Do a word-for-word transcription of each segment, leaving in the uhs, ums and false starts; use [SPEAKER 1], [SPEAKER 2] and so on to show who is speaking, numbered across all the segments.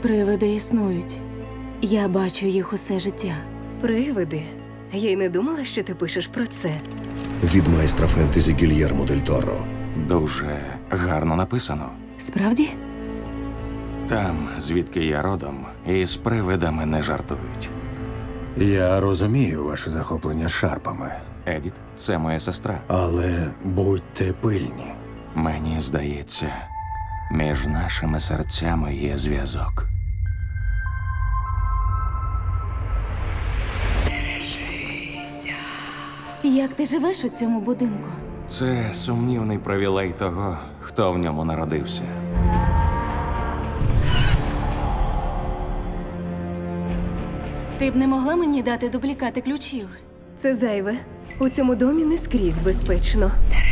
[SPEAKER 1] Привиди існують. Я бачу їх усе життя.
[SPEAKER 2] Привиди? Я й не думала, що ти пишеш про це.
[SPEAKER 3] Від майстра фентезі Гільєрмо Дель Торо.
[SPEAKER 4] Дуже гарно написано.
[SPEAKER 1] Справді?
[SPEAKER 4] Там, звідки я родом, із привидами не жартують.
[SPEAKER 5] Я розумію ваше захоплення шарпами,
[SPEAKER 4] Едіт, це моя сестра.
[SPEAKER 5] але будьте пильні.
[SPEAKER 4] Мені здається, між нашими серцями є зв'язок.
[SPEAKER 1] Як ти живеш у цьому будинку?
[SPEAKER 4] Це сумнівний привілей того, хто в ньому народився.
[SPEAKER 1] Ти б не могла мені дати дублікати ключів?
[SPEAKER 2] Це зайве. У цьому домі не скрізь безпечно.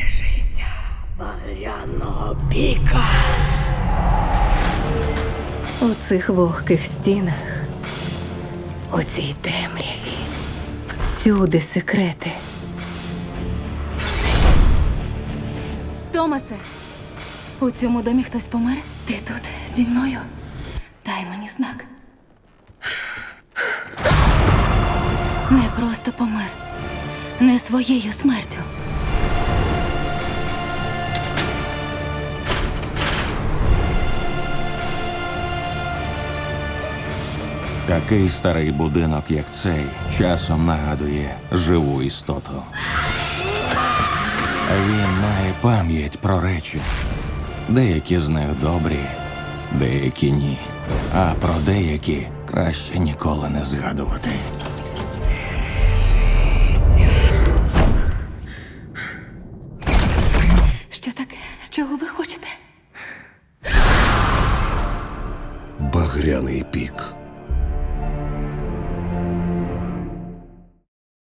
[SPEAKER 2] У цих вогких стінах, у цій темряві, всюди секрети.
[SPEAKER 1] Томасе, у цьому домі хтось помер? Ти тут зі мною? Дай мені знак. Не просто помер. Не своєю смертю.
[SPEAKER 4] Такий старий будинок, як цей, часом нагадує живу істоту. Він має пам'ять про речі. Деякі з них добрі, деякі ні. А про деякі краще ніколи не згадувати.
[SPEAKER 1] Що таке? Чого ви хочете?
[SPEAKER 3] Багряний пік.